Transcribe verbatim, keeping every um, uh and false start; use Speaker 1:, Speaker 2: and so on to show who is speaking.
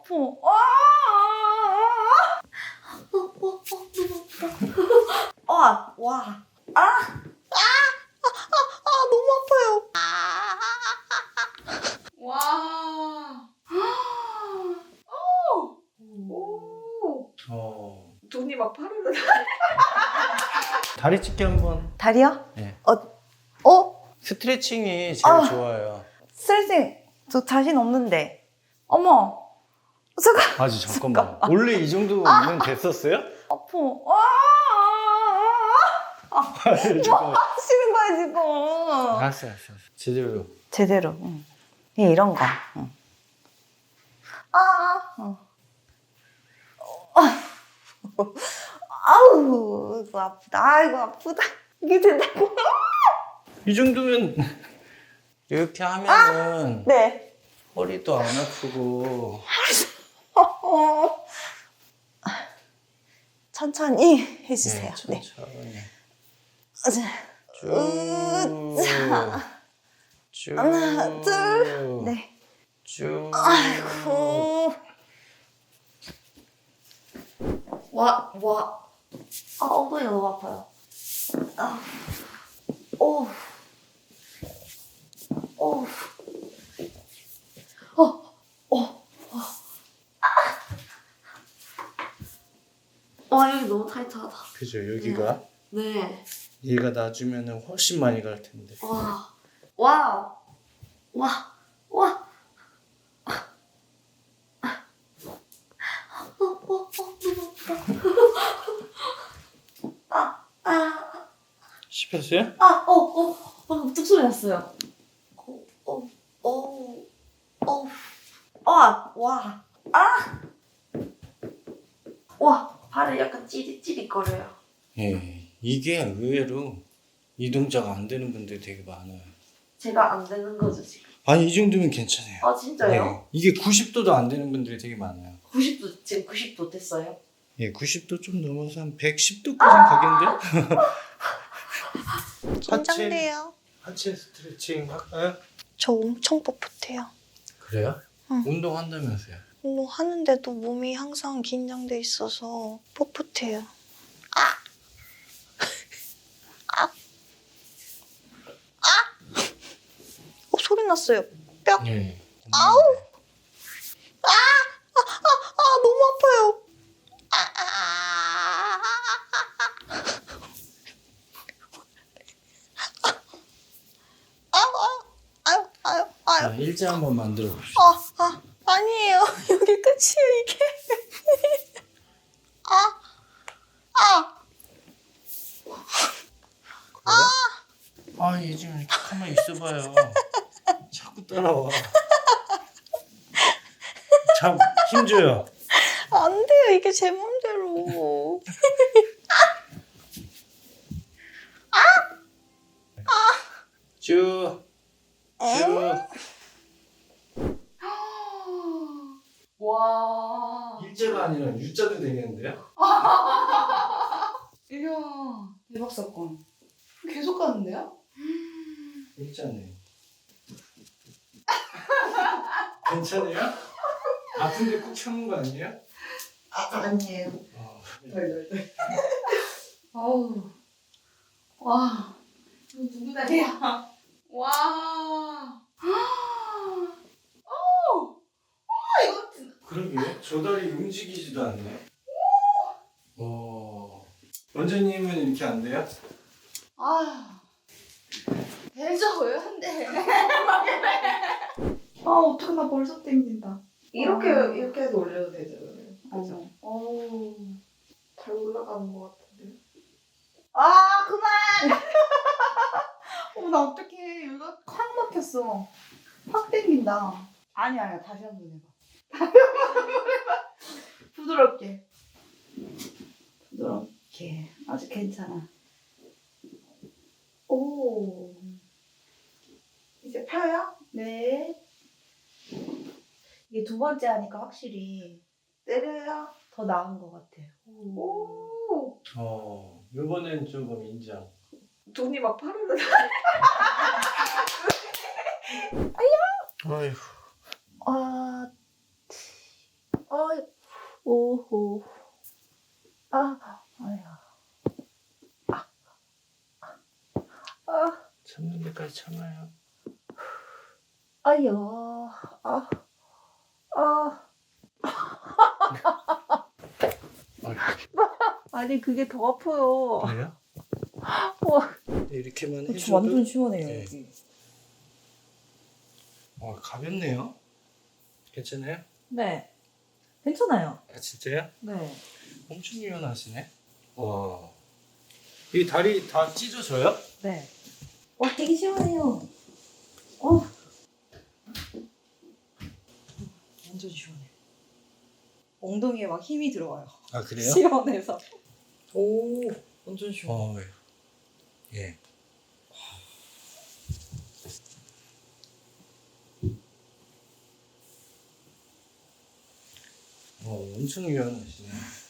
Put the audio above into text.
Speaker 1: 아파. 아, 어, 어, 어, 너무 아프다. 아, 와. 아, 아, 아, 아, 너무 아파요. 아, 와. 오, 오.
Speaker 2: 어.
Speaker 1: 돈이 막 파르르.
Speaker 2: 다리 찢기 한번.
Speaker 1: 다리요?
Speaker 2: 네.
Speaker 1: 어, 어?
Speaker 2: 스트레칭이 제일
Speaker 1: 아.
Speaker 2: 좋아요.
Speaker 1: 스트레칭 저 자신 없는데. 어머. 잠깐.
Speaker 2: 아직 잠깐만.
Speaker 1: 잠깐만.
Speaker 2: 원래 이 정도면 됐었어요?
Speaker 1: 아파. 아, 아, 아, 아.
Speaker 2: 아니, 잠깐만.
Speaker 1: 뭐 하시는 거야 지금?
Speaker 2: 알았어, 알았어, 알았어. 제대로.
Speaker 1: 제대로. 응. 예, 이런 거. 응. 아, 어. 어. 아우, 이거 아프다. 아, 이거 아프다. 이게 된다고?
Speaker 2: 이 정도면 이렇게 하면은
Speaker 1: 네.
Speaker 2: 허리도 안 아프고.
Speaker 1: 어. 천천히 해주세요.
Speaker 2: 네,
Speaker 1: 네.
Speaker 2: 천천히.
Speaker 1: 쭉.
Speaker 2: 쭉.
Speaker 1: 하나, 둘. 네.
Speaker 2: 쭉.
Speaker 1: 아이고. 와, 와. 아, 엉덩이가 너무 아파요. 아. 오. 오. 어, 어, 어. 아. 와, 여기 너무 타이트하다.
Speaker 2: 그죠, 여기가.
Speaker 1: 네.
Speaker 2: 얘가 놔주면은 훨씬 많이 갈 텐데.
Speaker 1: 와. 와. 와. 와. 어, 어, 어, 너무 아프다. 아, 아,
Speaker 2: 씹혔어요?
Speaker 1: 아, 어, 어, 방금 뚝 소리 났어요. 어, 어, 어, 어, 아, 와, 아, 와, 발을 약간 찌릿찌릿거려요.
Speaker 2: 예, 이게 의외로 이 동작 안 되는 분들이 되게 많아요.
Speaker 1: 제가 안 되는 거죠 지금?
Speaker 2: 아니, 이 정도면 괜찮아요.
Speaker 1: 아, 진짜요?
Speaker 2: 네, 이게 구십 도도 안 되는 분들이 되게 많아요.
Speaker 1: 구십 도 지금 구십 도 됐어요?
Speaker 2: 예, 구십 도 좀 넘어서 한 백십 도까지 가겠는데?
Speaker 3: 긴장돼요.
Speaker 2: 하체 스트레칭 할까요?
Speaker 3: 저 엄청 뻣뻣해요.
Speaker 2: 그래요?
Speaker 3: 응.
Speaker 2: 운동한다면서요?
Speaker 3: 뭐 하는데도 몸이 항상 긴장돼 있어서 뻣뻣해요. 아! 아! 아! 어, 소리 났어요. 뼈.
Speaker 2: 네.
Speaker 3: 아우! 아! 아! 아! 아! 너무 아파요. 아! 아! 아유, 아유, 아유.
Speaker 2: 자, 일자 한번 만들어 봅시다.
Speaker 3: 아, 아, 아니에요. 여기 끝이에요, 이게. 아, 아,
Speaker 2: 아, 얘 좀 이렇게 가만히 있어봐요. 자꾸 따라와. 참, 힘줘요.
Speaker 3: 안 돼요. 이게 제 맘대로.
Speaker 2: 쭉, 쭉.
Speaker 1: 와.
Speaker 2: 일자가 아니라 U자도 되겠는데요?
Speaker 1: 이야, 대박 사건. 계속 가는데요?
Speaker 2: 일자네. 괜찮아요? 아픈데 꾹 참은 거 아니에요?
Speaker 1: 아, 아니에요.
Speaker 2: 어,
Speaker 1: 덜덜덜. 아우. 와. 이거 누구 다리야? 와. 오. 와, 이거 진짜.
Speaker 2: 그러게, 저 다리 움직이지도 않네. 어. 원장님은 이렇게 안 돼요?
Speaker 1: 아. 되죠, 왜 안 돼? 아, 어떡해, 나 벌써 땡긴다. 이렇게, 이렇게 해서 올려도 되죠, 그러면. 그죠? 어우. 잘 올라가는 것 같은데. 아, 그만! 어, 나 어떡해. 여기가 확 막혔어. 확 땡긴다. 아니야, 아니야. 다시 한 번 해봐. 다시 한 번 해봐. 부드럽게. 부드럽게. 아직 괜찮아. 오. 이제 펴요? 네. 이게 두 번째 하니까 확실히 때려야 더 나은 것 같아요. 오.
Speaker 2: 어, 요번엔 조금 인정.
Speaker 1: 돈이 막 파르르.
Speaker 2: 아휴.
Speaker 3: 아,
Speaker 1: 아, 오호. 아, 아야. 아, 아,
Speaker 2: 참는 데까지 참아요.
Speaker 1: 아야. 아, 아. 아니 그게 더 아파요.
Speaker 2: 그래요?
Speaker 1: 와,
Speaker 2: 이렇게만
Speaker 1: 저
Speaker 2: 해줘도
Speaker 1: 완전 시원해요
Speaker 2: 네.
Speaker 1: 여기.
Speaker 2: 어, 가볍네요. 괜찮아요?
Speaker 1: 네, 괜찮아요.
Speaker 2: 아 진짜요?
Speaker 1: 네.
Speaker 2: 엄청 유연하시네. 와. 이 다리 다 찢어져요?
Speaker 1: 네. 와, 되게 시원해요. 어. 완전 시원해. 엉덩이에 막 힘이 들어와요.
Speaker 2: 아 그래요?
Speaker 1: 시원해서. 오, 완전 시원.
Speaker 2: 어, 예. 어, 엄청 유연하시네.